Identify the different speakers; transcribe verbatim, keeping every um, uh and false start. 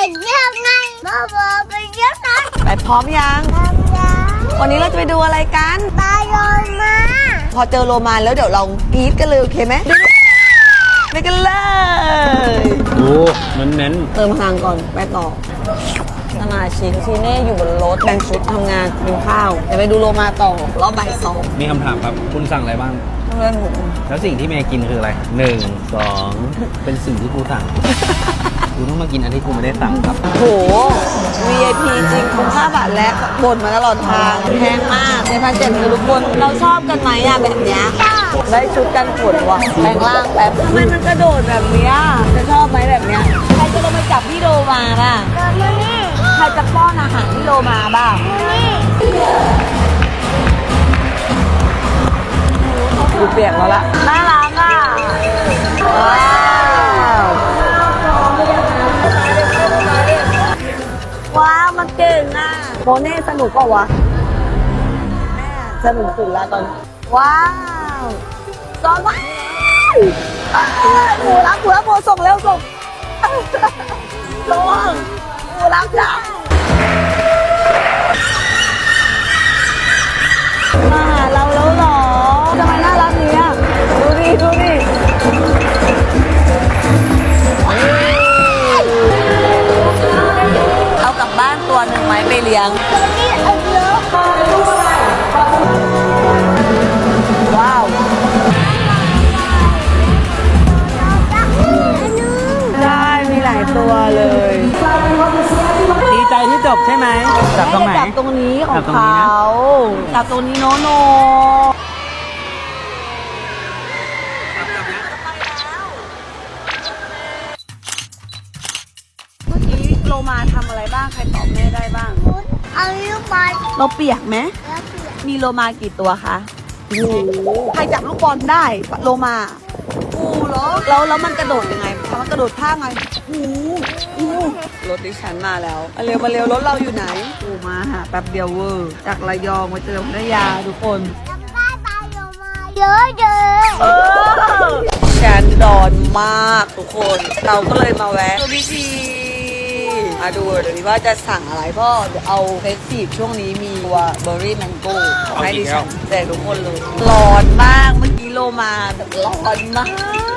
Speaker 1: เยี่ยมไงพ่อบอกไปเยี่ยมนะ
Speaker 2: ไปพร้อมยัง
Speaker 1: ทำยา
Speaker 2: วันนี้เราจะไปดูอะไรกัน
Speaker 1: ปลาโลมา
Speaker 2: พอเจอโลมาแล้วเดี๋ยวเรากรี๊ดกันเลยโอเคไหมไปกันเลย
Speaker 3: โอ้เน้นเน้น
Speaker 2: เติมพลังก่อนไปต่อสมาชิกทีเน่อยู่บนรถแบ่งชุดทำงานกินข้าวเดี๋ยวไปดูโลมาต่อรอบบ่ายสอง
Speaker 3: มีคำถามครับ คุณสั่งอะไรบ้าง
Speaker 2: เพื่อนหมู
Speaker 3: แล้วสิ่งที่เมย์กินคืออะไรหนึ่งสองเป็นสิ่งที่กูสั่ง กูต้องมากินอันที่กูไม่ได้สั่งครับ
Speaker 2: โห วี ไอ พี จริงคุ้มค่าบาทแรกบ่นมาตลอดทางแพงมากในพันเจ็ดคือทุกคนเราชอบกันไหมอะแบบเนี้ยได้ชุดกันฝนว่ะแปลงร่างแป๊บทำไมมันกระโดดแบบเนี้ยจะชอบไหมแบบเนี้ยใครจะลงไปจับพี่โลมาล่ะ
Speaker 1: โดนมานี่
Speaker 2: ใครจะป้อนอาหารพี่โลมาบ้าง
Speaker 1: นี่
Speaker 2: ดูเปียกแล้วล่ะน่ารักอ่ะว้าวว้าวมันเก่งอ่ะโมเน่สนุกเปล่าวะแม่สนุกสุดละตอนว้าวซ้อนว้าวหมูรักหมูรักหมูส่งเร็วส่งส่งหมูรักจ้ามาหาเราแล้วเหรอทำไมน่ารักเนี้ยดูดิดูดิเอากลับบ้านตัวหนึ่งไหมไปเลี้ยง
Speaker 1: ตัวนี้เอาเยอะ
Speaker 2: ว้าวได้มีหลายตัวเลย
Speaker 3: ดีใจที่จบใช่ไหมจับตรงไหน
Speaker 2: จับตรงนี้ของ
Speaker 3: จับตรงนี้
Speaker 2: เขา
Speaker 3: นะ
Speaker 2: จับตรงนี้โนโนเมื่อกี้โลมาทำอะไรบ้างใครตอบแม่ได้บ้าง
Speaker 1: คุณเอาลูกบอล
Speaker 2: เราเปียกไหม
Speaker 1: แล้วเปลี่ยน
Speaker 2: มีโลมากี่ตัวคะโอ้โหใครจับลูกบอลได้โลมาโอ้เหรอแล้วแล้วมันกระโดดยังไงมันกระโดดท่าไงโอ้โหรถดิฉันมาแล้วมาเร็วมาเร็วรถเราอยู่ไหนโอ้มาหาแป๊บเดียวเวอร์จากระยองมาเจอพัทยาทุกคน
Speaker 1: จำได้ปลาโลมาเยอะเยอะ
Speaker 2: เออแกนดอนมากทุกคน เราก็เลยมาแวะดูพิธีมาดูเดี๋ยวนี้ว่าจะสั่งอะไรพ่อเดี๋ยวเอาเฟสซีฟช่วงนี้มีตัวเบอร์รี่แมงโก้ให้ดิฉันแจกทุกคนเลยร้อนมากเมื่อกี้โลมาแบบร้อนมาก